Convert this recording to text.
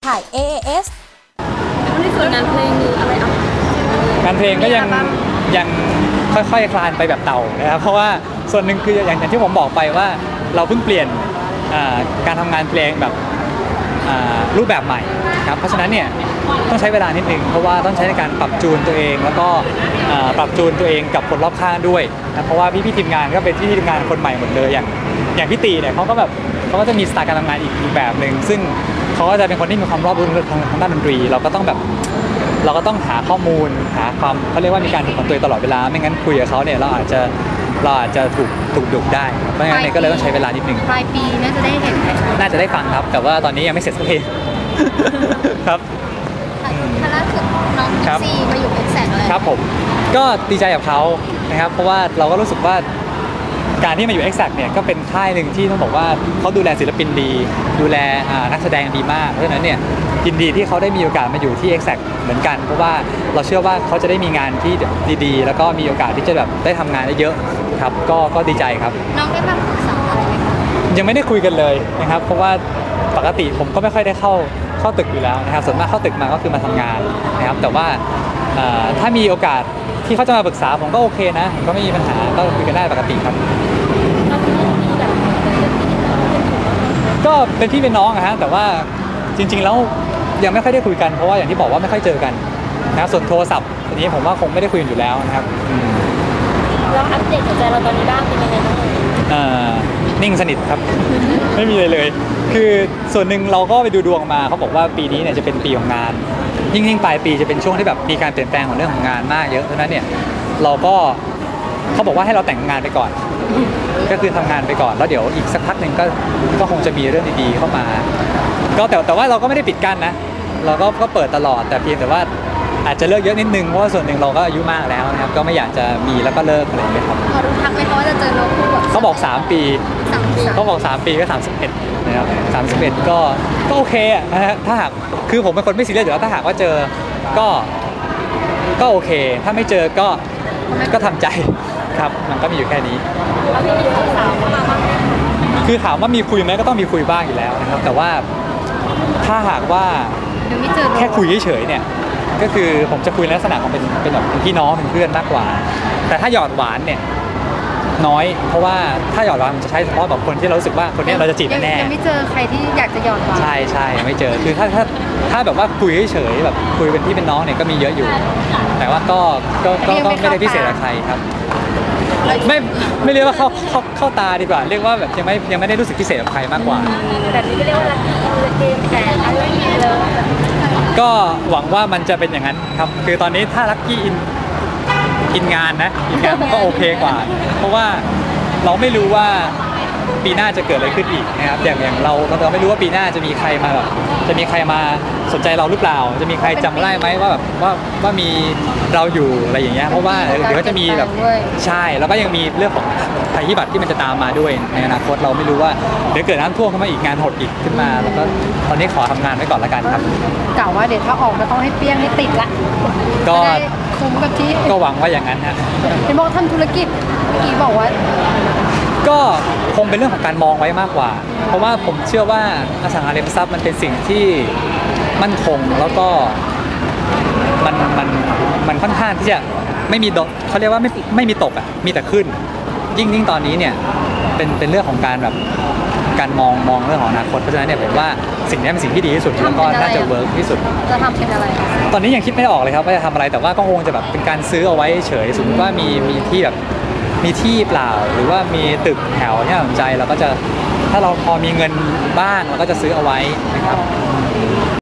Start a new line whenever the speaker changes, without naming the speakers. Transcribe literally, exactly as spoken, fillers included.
ถ่าย เอ เอ เอส
ในส่วนงานเพลงมีอะไรอ่ะ
งานเพลงก็ยังยังค่อยๆคลานไปแบบเต่านะครับเพราะว่าส่วนหนึ่งคืออย่างอย่างที่ผมบอกไปว่าเราเพิ่งเปลี่ยนการทำงานเพลงแบบรูปแบบใหม่ครับเพราะฉะนั้นเนี่ยต้องใช้เวลานิดนึงเพราะว่าต้องใช้ในการปรับจูนตัวเองแล้วก็ปรับจูนตัวเองกับคนรอบข้างด้วยนะเพราะว่าพี่พี่ทีมงานก็เป็นพี่ทีมงานคนใหม่หมดเลยอย่างอย่างพี่ตีเนี่ยเขาก็แบบเขาก็จะมีสไตล์การทำงานอีกแบบหนึ่งซึ่งเขาก็จะเป็นคนที่มีความรอบรู้ทางทางด้านดนตรีเราก็ต้องแบบเราก็ต้องหาข้อมูลหาความเขาเรียกว่ามีการฝึกฝนตัวเองตลอดเวลาไม่งั้นคุยกับเขาเนี่ยเราอาจจะเราอาจจะถูกถูกดุได้เพราะงั้นเนี่ยก็เลยต้องใช้เวลานิดนึง
ปลายปีน่าจะได้เห็นไหม
น่าจะได้ฟังครับแต่ว่าตอนนี้ยังไม่เสร็จสักทีครับ
คณะคือน้องซีมาอยู่เป็นแสนเลย
ครับผมก็ดีใจกับเขานะครับเพราะว่าเราก็รู้สึกว่าการที่มาอยู่ Exact เนี่ยก็เป็นค่ายหนึ่งที่ต้องบอกว่าเขาดูแลศิลปินดีดูแลนักแสดงดีมากเพราะฉะนั้นเนี่ยยินดีที่เขาได้มีโอกาสมาอยู่ที่ Exact เหมือนกันเพราะว่าเราเชื่อว่าเขาจะได้มีงานที่ดีๆแล้วก็มีโอกาสที่จะแบบได้ทำงานได้เยอะครับก็ก็ดีใจครับ
น้องได้มาปรึกษาอะไรไหมคะ
ยังไม่ได้คุยกันเลยนะครับเพราะว่าปกติผมก็ไม่ค่อยได้เข้าเข้าตึกอยู่แล้วนะครับส่วนมากเข้าตึกมาก็คือมาทำงานนะครับแต่ว่าถ้ามีโอกาสที่เขาจะมาปรึกษาผมก็โอเคนะก็ไม่มีปัญหาก็คุยกันได้ปกติครับก็เป็นพี่เป็นน้องอะฮะแต่ว่าจริงๆแล้วยังไม่ค่อยได้คุยกันเพราะว่าอย่างที่บอกว่าไม่ค่อยเจอกันนะส่วนโทรศัพท์อันนี้ผมว่าคงไม่ได้คุยกันอยู่แล้วนะครับ
แล้วอัปเดตหัวใจเราตอนนี้บ้างเป็นยังไงบ้าง
นิ่งสนิทครับ ไม่มีเลยเลยคือส่วนหนึ่งเราก็ไปดูดวงมาเขาบอกว่าปีนี้เนี่ยจะเป็นปีของงานยิ่งยิ่งปลายปีจะเป็นช่วงที่แบบมีการเปลี่ยนแปลงของเรื่องของงานมากเยอะเพราะฉะนั้นเนี่ยเราก็เขาบอกว่าให้เราแต่งงานไปก่อนก็คือทำงานไปก่อนแล้วเดี๋ยวอีกสักพักหนึ่งก็ก็คงจะมีเรื่องดีๆเข้ามาก็แต่แต่ว่าเราก็ไม่ได้ปิดกั้นนะเราก็ก็เปิดตลอดแต่เพียงแต่ว่าอาจจะเลิกเยอะนิดนึงเพราะว่าส่วนหนึ่งเราก็อายุมากแล้วนะครับก็ไม่อยากจะมีแล้วก็เลิกอะไรอย่างเงี้ยครับ
พอรู้ทักไหมว่าจะเจอเราคู่แบบ
เขาบอกสามปีเขาบอกสามปีก็สามสิบเอ็ดนะครับสามสิบเอ็ดก็ก็โอเคอะนะฮะถ้าหากคือผมเป็นคนไม่ซีเรียสอยู่แล้วถ้าหากว่าเจอก็ก็โอเคถ้าไม่เจอก็ก็ทำใจครับมันก็มีอยู่แค่นี้
แล้วมีสาวเข้ามาบ้าง
คือถามว่ามีคุยไหมก็ต้องมีคุยบ้างอยู่แล้วนะครับแต่ว่าถ้าหากว่าแค่คุยเฉยๆเนี่ยก็คือผมจะคุยในลักษณะของเป็นเป็นแบบพี่น้องเป็นเพื่อนมากกว่าแต่ถ้าหยอดหวานเนี่ยน้อยเพราะว่าถ้าหยอดหวานมันจะใช้เฉพาะแบบคนที่เรารู้สึกว่าคนนี้เราจะจีบแน่
ยังไม่เจอใครที่อยากจะหยอดหวาน
ใช่ใช่ไม่เจอคือถ้าถ้าถ้าแบบว่าคุยเฉยๆแบบคุยเป็นพี่เป็นน้องเนี่ยก็มีเยอะอยู่แต่ว่าก็ก็ก็ไม่ได้พิเศษกับใครครับไม่ไม่เรียกว่าเข้าเข้าเข้าตาดีกว่าเรียกว่าแบบยังไม่ยังไม่ได้รู้สึกพิเศษกับใครมากกว่า
แบบนี้ก็เรียกว่าลัคกี้เกมแต่อะไรอย่างเงี้ยเลย
ก็หวังว่ามันจะเป็นอย่างนั้นครับคือตอนนี้ถ้าลัคกี้อินอินงานนะอินงานก็โอเคกว่าเพราะว่าเราไม่รู้ว่าปีหน้าจะเกิดอะไรขึ้นอีกนะครับอย่างอย่างเราเราไม่รู้ว่าปีหน้าจะมีใครมาแบบจะมีใครมาสนใจเราหรือเปล่าจะมีใครจำได้ไหมว่าแบบว่าว่ามีเราอยู่อะไรอย่างเงี้ยเพราะว่าเดี๋ยวก็จะมีแบบใช่แล้วก็ยังมีเรื่องของภัยพิบัติที่มันจะตามมาด้วยในอนาคตเราไม่รู้ว่าเดี๋ยวเกิดน้ำท่วมเข้ามาอีกงานหดอีกขึ้นมาแล้วก็ตอนนี้ขอทำงานไว้ก่อนละกันครับ
กล่าวว่าเดี๋ยวถ้าออกก็ต้องให้เปี้ยงให้ติดละ
ก็
คุ้มกับที่
ก็หวังว่าอย่างนั้นฮะ
เห็นบอกทำธุรกิจเมื่อกี้บอกว่า
ก็คงเป็นเรื่องของการมองไว้มากกว่าเพราะว่าผมเชื่อว่าอสังหาริมทรัพย์มันเป็นสิ่งที่มั่นคงแล้วก็มันมันมันค่อนข้างที่จะไม่มีดอกเขาเรียกว่าไม่ไม่มีตกอ่ะมีแต่ขึ้นยิ่งยิ่งตอนนี้เนี่ยเป็นเป็นเรื่องของการแบบการมองมองเรื่องของอนาคตเพราะฉะนั้นเนี่ยผมว่าสิ่งนี้เป็นสิ่งที่ดีที่สุดแล้วก็น่าจะเวิร์กที่สุด
จะทำเป็นอะไร
ตอนนี้ยังคิดไม่ออกเลยครับว่าจะทำอะไรแต่ว่าก็คงจะแบบเป็นการซื้อเอาไว้เฉยสมมติว่ามีมีที่แบบมีที่เปล่าหรือว่ามีตึกแถวที่น่าสนใจเราก็จะถ้าเราพอมีเงินบ้างเราก็จะซื้อเอาไว้นะครับ